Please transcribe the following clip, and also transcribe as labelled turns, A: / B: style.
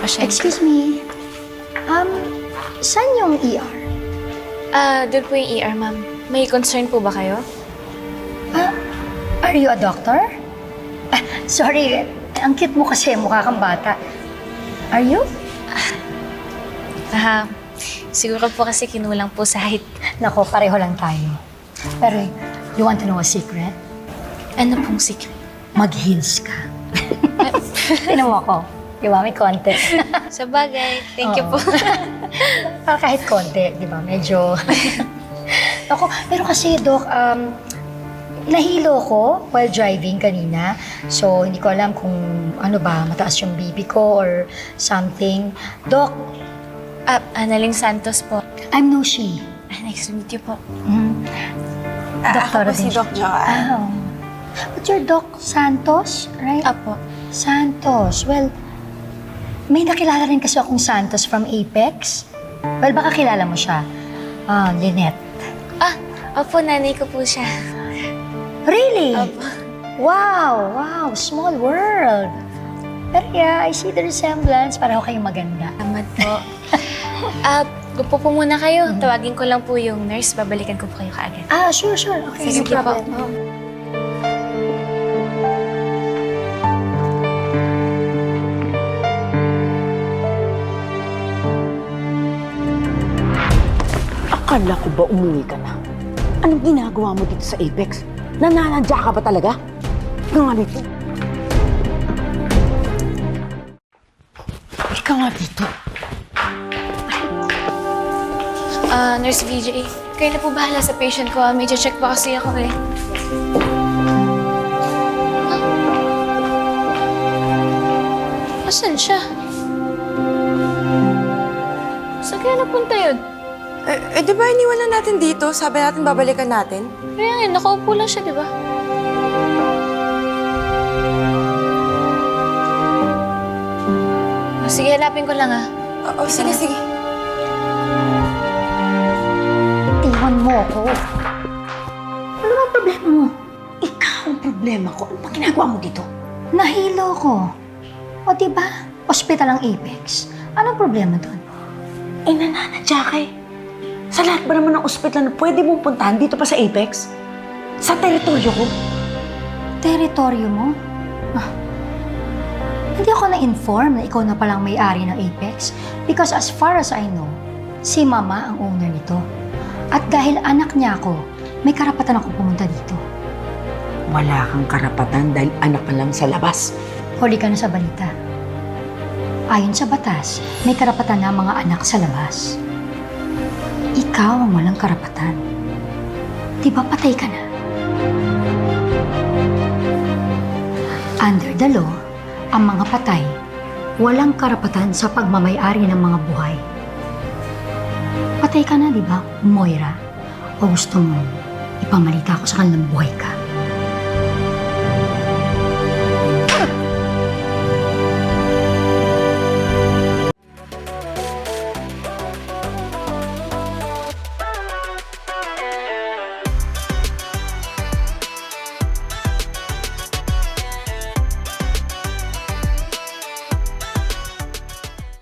A: pasyente.
B: Excuse me. Saan yung ER?
A: Doon po yung ER, ma'am. May concern po ba kayo?
B: Are you a doctor? Sorry, ang cute mo kasi, mukha kang bata. Are you?
A: Siguro po kasi kinulang po sa height.
B: Nako, pareho lang tayo. Pero, you want to know a secret?
A: Ano pong secret?
B: Mag-heels ka. Tinan mo ako. Di ba? May konti.
A: Sa bagay, thank you po.
B: Kahit konti, di ba? Medyo... Ako, pero kasi, Doc, nahilo ko while driving kanina. So, hindi ko alam kung ano ba, mataas yung BP ko or something. Doc,
A: Analing Santos po.
B: I'm Nushi.
A: Nice to meet you po.
B: Doktora
C: Ako po si
B: din
C: Doc Joanne.
B: Oh. But you're Doc Santos, right?
A: Apo.
B: Santos. Well, may nakilala rin kasi akong Santos from Apex. Well, baka kilala mo siya. Lynette.
A: Opo, nanay ko po siya.
B: Really?
A: Opo.
B: Wow, small world. Pero yeah, I see the resemblance. Pareho kayong maganda.
A: Salamat po. Gupo po muna kayo. Tawagin ko lang po yung nurse. Babalikan ko po kayo kaagad.
B: Sure. Okay,
A: Sige
B: no
A: po.
B: problem.
D: Akala ko ba umuwi ka na? Anong ginagawa mo dito sa Apex? Nananadya ka ba talaga? Ikaw nga dito. Ikaw nga dito.
A: Nurse VJ, kayo na po bahala sa patient ko. Medyo check pa kasi ako eh. Asan siya? Saan kaya napunta yun?
C: Di ba iniwan na natin dito? Sabi natin babalikan natin?
A: Kaya nga, nakaupo lang siya, di ba? Sige, hanapin ko lang ah.
C: Oo, sige.
B: Iwan mo ako. Ano ba ang problema mo?
D: Ikaw ang problema ko. Ano ba ginagawa mo dito?
B: Nahilo ko. O diba, ospital ang Apex. Anong problema doon?
D: Nananadya ka eh. Sa lahat ba naman ng ospital na pwede mong puntahan dito pa sa Apex? Sa teritoryo ko?
B: Teritoryo mo? Hindi ako na-inform na ikaw na palang may-ari ng Apex because as far as I know, si Mama ang owner nito. At dahil anak niya ako, may karapatan ako pumunta dito.
D: Wala kang karapatan dahil anak ka lang sa labas.
B: Huli ka na sa balita. Ayon sa batas, may karapatan na ang mga anak sa labas. Ikaw ang walang karapatan. Di ba patay ka na? Under the law, ang mga patay, walang karapatan sa pagmamay-ari ng mga buhay. Patay ka na, di ba, Moira? O gusto mo, ipamalita ko sa kanilang buhay ka?